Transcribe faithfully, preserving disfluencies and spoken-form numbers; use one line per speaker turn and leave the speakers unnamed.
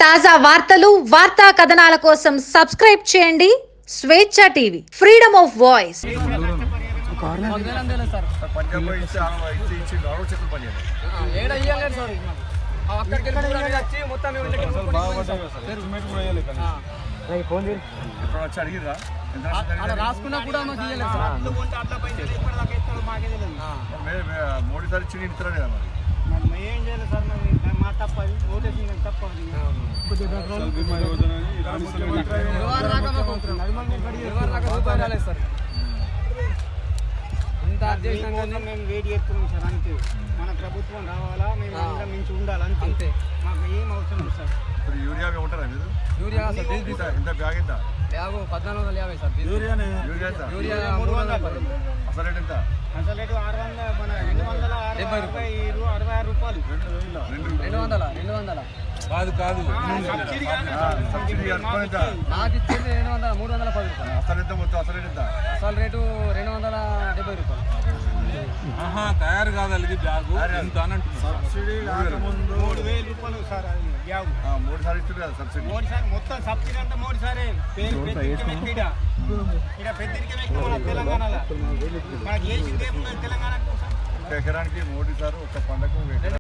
తాజా వార్తలు వార్తా కథనాల కోసం సబ్స్క్రైబ్ చేయండి స్వేచ్ఛ టీవీ, ఫ్రీడమ్ ఆఫ్ వాయిస్.
రాసుకున్నా కూడా మాకు మోడీ సార్ ఇచ్చి ఇస్తారా లేదా మరి ఏం చేయలేదు సార్. మా తప్ప ఓటేసింగ్ తప్ప మేము వెయిట్ చేస్తున్నాం సార్. అంతే, మన ప్రభుత్వం రావాలా, మేము అందరం మించి ఉండాలి అంతే. మాకు ఏం అవసరం లేదు సార్. ఇప్పుడు యూరియా ఉంటారా మీరు? యూరియా ఎంత బ్యాగ్ ఎంత? బ్యాగు పద్నాలుగు వందల యాభై సార్. యూరియా యూరియా మూడు వందల అసలు రేట్ ఎంత? అసలు రేటు ఆరు వందల మన రెండు వందల డెబ్బై రూపాయలు అరవై ఆరు రూపాయలు రెండు వందల రెండు వందల కాదు కాదు నాకు ఇచ్చేది రెండు వందల మూడు వందల పది రూపాయలు. అసలు ఎంత మొత్తం అసలు రేట్ ఎంత? అసలు రేటు రెండు వందల డెబ్బై రూపాయలు.
తయారు కాదు బ్యాగు
సబ్సిడీ రాకముందు మూడు వేల రూపాయలు సార్. అది బ్యాగు మూడు సార్లు ఇస్తుంది కదా సబ్సిడీ. మూడు సార్లు మొత్తం సబ్సిడీ అంటే మూడు సారే. ఇక్కడ ఇక్కడ పెద్దరికం ఎక్కువ మన తెలంగాణలో. మనకి ఏ తెలంగాణకు ఎకరానికి మోడీ సార్ ఒక పండగ